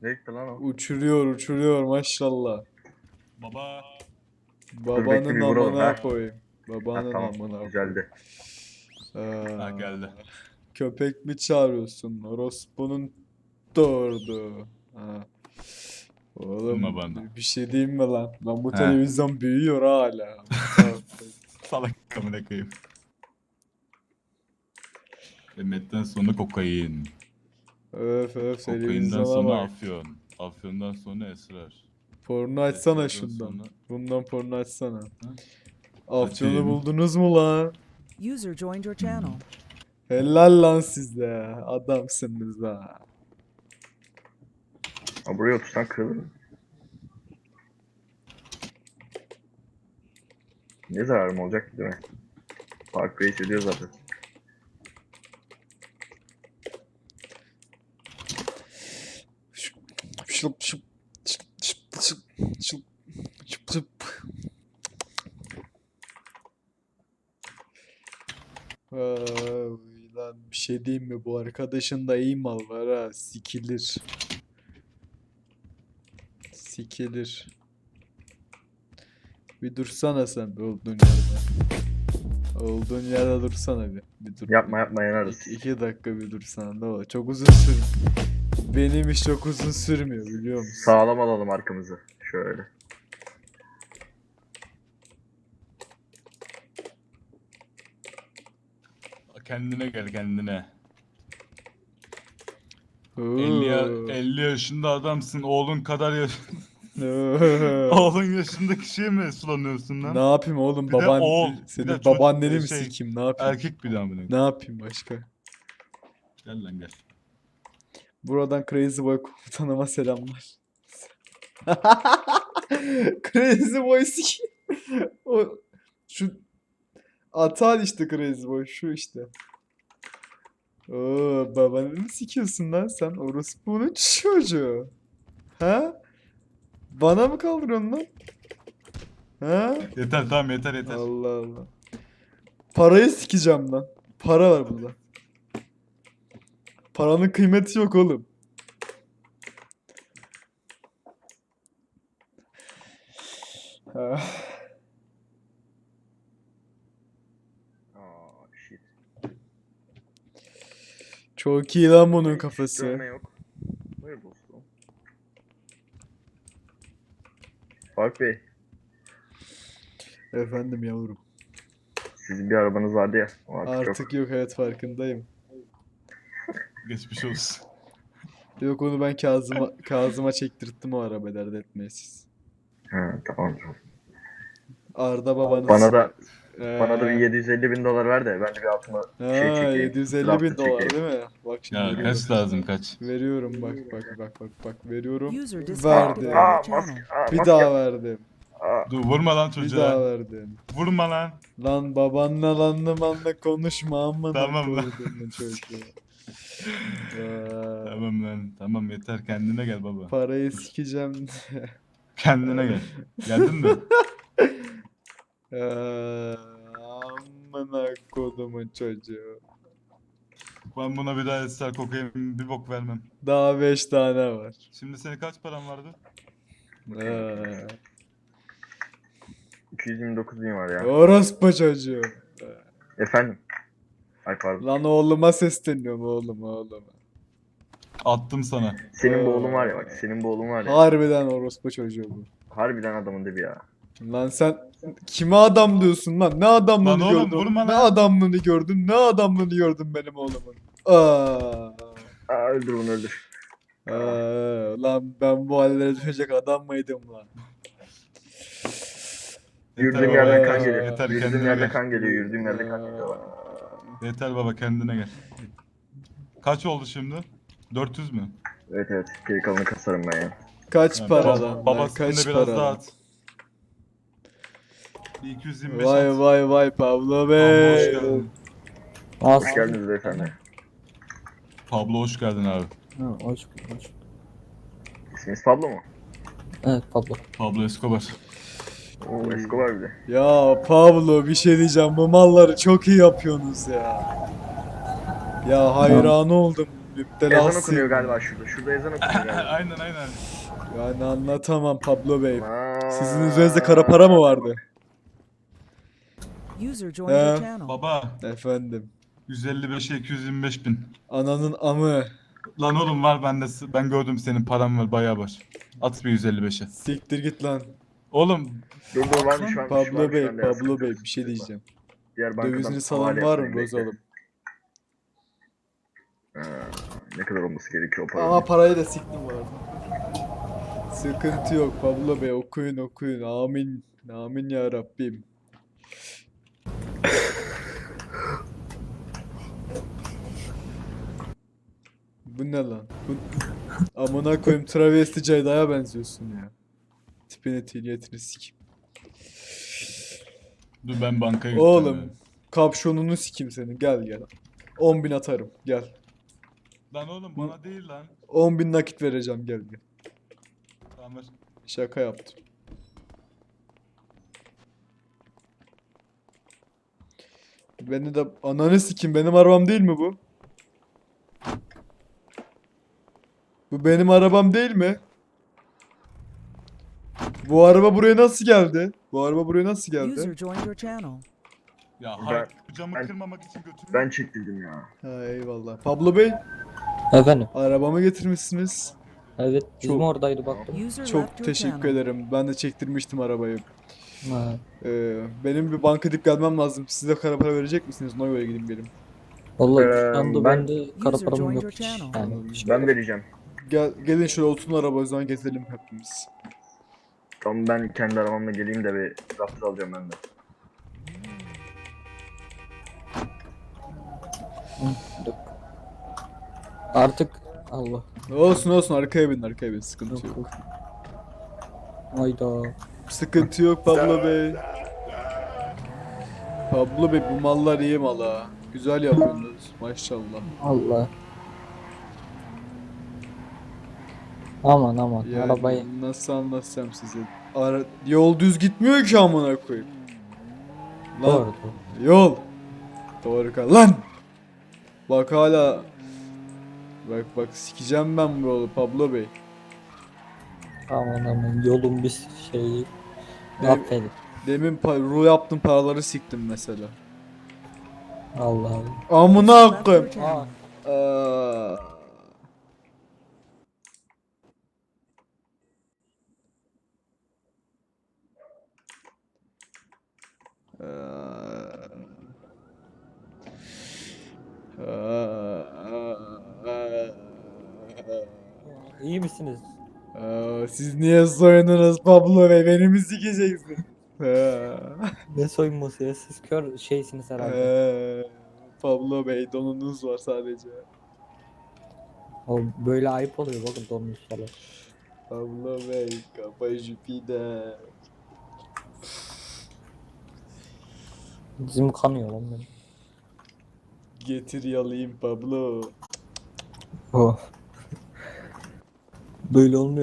Ne gitti lan o? Uçuruyor maşallah. Baba. bekle Babanın bir vuralım, amına ha. koyayım. Ha, Babanın tamam, amına koyayım. güzeldi. Ha geldi. Köpek mi çağırıyorsun? Orospu'nun doğurdu. Ha. Oğlum Vurma bana. bir şey diyeyim mi lan? Lan bu He. televizyon büyüyor hala. Salak amına koyayım. Mehmet'ten sonra kokain. Öf Kokainden televizyona sonra bak. afyon. Afyondan sonra esrar. Porno açsana Esrardan şundan. sonra- Bundan porno açsana. Açayım. Afyonu buldunuz mu lan? User joined your channel. Helal lan size. Adamsınız ha. Ha, buraya otursan kırılır mı? Ne zararım olacak ki, değil mi? Park Race ediyor zaten. Şıp şıp şıp şıp şıp şıp şıp şıp. Ay, lan bir şey diyeyim mi? Bu arkadaşın da iyi mal var ha. Sikilir. Sikilir. Bir dursana sen bir olduğun yerde. Olduğun yerde dursana bir. Bir dur. Yapma yanarız. İki dakika bir dursana ne olur. Çok uzun sür. Benim iş çok uzun sürmüyor biliyor musun? Sağlam alalım arkamızı. Şöyle. Kendine gel kendine. Oo. 50 yaşında adamsın. Oğlun kadar yaş... Oo. Oğlun yaşındaki şeye mi sulanıyorsun lan? Ne yapayım oğlum Bir de baban oğul, bir senin de çocuk, babaanneni mi şey, sikeyim ne yapayım? Erkek bir daha amına Ne koyayım. yapayım başka? Gel lan gel. Buradan Crazy Boy komutanıma selamlar. Crazy Boy sikeyim. O şu Atal işte Crazy Boy şu işte. Oo babanı mı sikiyorsun lan sen orospunun çocuğu? Ha? Bana mı kaldırıyorsun lan? Ha? Yeter tamam yeter. Allah Allah. Parayı sikeceğim lan. Para var burada. Paranın kıymeti yok oğlum. Ah, Aa, shit. çok iyi lan bunun Hiç kafası. dönme yok. Buyur dostum. Fark Bey, Efendim yavrum. sizin bir arabanız vardı ya. O artık yok. Artık yok evet farkındayım. Geçmiş olsun. Yok onu ben Kazım'a çektirttim o araba dert etmeyin siz. Ha, tamam. Arda babanız. Bana da Ee, bana da bir 750 bin dolar ver de ben de bir altıma ha, şey çekeyim. 750 draftı bin dolar çekeyim. değil mi? Bak şimdi Ya veriyorum. kaç lazım kaç? Veriyorum bak veriyorum. User disconnected Verdi. from your channel. Maske. Bir daha verdim. Aa, Dur vurma lan Bir daha çocuğa. verdim. Vurma lan. Lan babanla lanla konuşma amına Tamam lan. koyduğumun çocuğu. Tamam lan tamam yeter kendine gel baba. Parayı sikeceğim. Kendine gel. Geldin mi? Amına kodumun çocuğu. Ben buna bir daha ester kokain bir bok vermem. Daha 5 tane var. Şimdi senin kaç paran vardı? Ee, 229 bin var ya. Orospu çocuğu. Efendim. Ay pardon. Lan oğluma sesleniyorum oğluma. Attım sana. Senin bu oğlun var ya bak. Senin bu oğlun var ya. Harbiden orospu çocuğu bu. Harbiden adamın dibi ya. Lan sen kime adam diyorsun lan? Ne adamlığını Lan oğlum, gördün? vurma Ne lan. adamlığını gördün? Ne adamlığını gördün benim oğlumun? Aa. Aa, öldür bunu öldür. Lan ben bu hallere düşecek adam mıydım lan? Yürüdüğüm baba, yerden yeter, kan geliyor. yeter, Yürüdüğüm kendine yerden gel. kan geliyor. Yürüdüğüm yerden kan geliyor bak. Yeter baba kendine gel. Kaç oldu şimdi? 400 mü? Evet. Geri kalanı kasarım ben ya. Kaç Ha, para baba- lan? Lan Babasını kaç da biraz para daha lan? at. Bir 225 Vay at. vay Pablo Pablo hoş Bey. geldin. Hoş geldiniz beyefendi. Pablo hoş geldin abi. Ha, hoş bulduk. İsminiz Pablo mu? Evet Pablo. Pablo Escobar. Oo, Escobar bile. Ya Pablo bir şey diyeceğim. Bu malları çok iyi yapıyorsunuz ya. Ya hayran oldum. Müptelasıyım. Ezan okunuyor galiba şurada. Şurada ezan okunuyor galiba. Aynen aynen. Yani anlatamam Pablo Bey. Aa. Sizin üzerinizde kara para mı vardı? User joined your He. channel. Baba Efendim. 155'e 225 bin. Ananın amı. Lan oğlum var bende. Ben gördüm senin paran var bayağı var. At bir 155'e. Siktir git lan. Oğlum Dur varmış varmış. Pablo varmış, Bey, bende ya, Pablo sıkıntı Bey yok, bir şey sıkıntı yok. diyeceğim. Diğer bankadan Dövizini salan havale var mı yapmayın, bekle. bozalım? Ne kadar olması gerekiyor o paranın? Ama parayı da siktim var. Sıkıntı yok Pablo Bey, okuyun okuyun. Amin. Amin ya Rabbim. Bu ne lan? Bu... Amına koyayım, travesti Ceyda'ya benziyorsun ya. Tipine niyetini sikim. dur ben bankaya gideceğim. Oğlum, kapşonunu sikim senin. Gel gel. 10.000 atarım. Gel. Lan oğlum bana değil lan. 10.000 nakit vereceğim, gel gel. Tamam ver. Şaka yaptım. Beni de ananı sikim, benim arabam değil mi bu? Bu benim arabam değil mi? Bu araba buraya nasıl geldi? Bu araba buraya nasıl geldi? User joined your channel. Ya Ben- hayır camı ben- kırmamak için götürme. Ben çektirdim ya. Ha, eyvallah. Pablo Bey, Efendim. arabamı getirmişsiniz. Evet bizim Çok- oradaydı baktım. User left Çok your teşekkür channel. ederim. Ben de çektirmiştim arabayı. Ha. Benim bir banka gidip gelmem lazım. Siz de kara para verecek misiniz? Ona göre gideyim gelin. Vallahi şu anda ben- bende kara User param joined yok your hiç. channel. Yani hiç Ben vereceğim. Gelin şöyle oturun araba, o zaman gezelim hepimiz. Tamam ben kendi arabamla geleyim de bir raptor alacağım ben de. Yok. Artık Allah. Olsun olsun, arkaya bin arkaya bin, sıkıntı yok. Hayda. Sıkıntı yok Pablo Bey. Pablo Bey, bu mallar iyi mal ha. Güzel yapıyorsunuz maşallah. Allah. Aman aman Yani arabayı. nasıl anlatsam size. Yol düz gitmiyor ki amına koyayım. Lan Doğru. yol. Doğru kal lan. Bak hala. Bak sikeceğim ben bu yolu Pablo Bey. Aman aman yolun bir şeyi. Ne- Affedin. Demin ruh yaptım, paraları siktim mesela. Allah Allah. Amına Left your koyayım. channel. Aa. İyi misiniz? Siz niye soyundunuz Pablo Bey? Beni mi sikeceksiniz? Ne soyunması ya? Siz kör şeysiniz herhalde. Pablo Bey, donunuz var sadece. O böyle ayıp oluyor bakın donmuş falan. Pablo Bey, kafa Jüpiter. Dizim kanıyor lan benim. Getir yalayayım Pablo. Oh. Böyle olmuyor.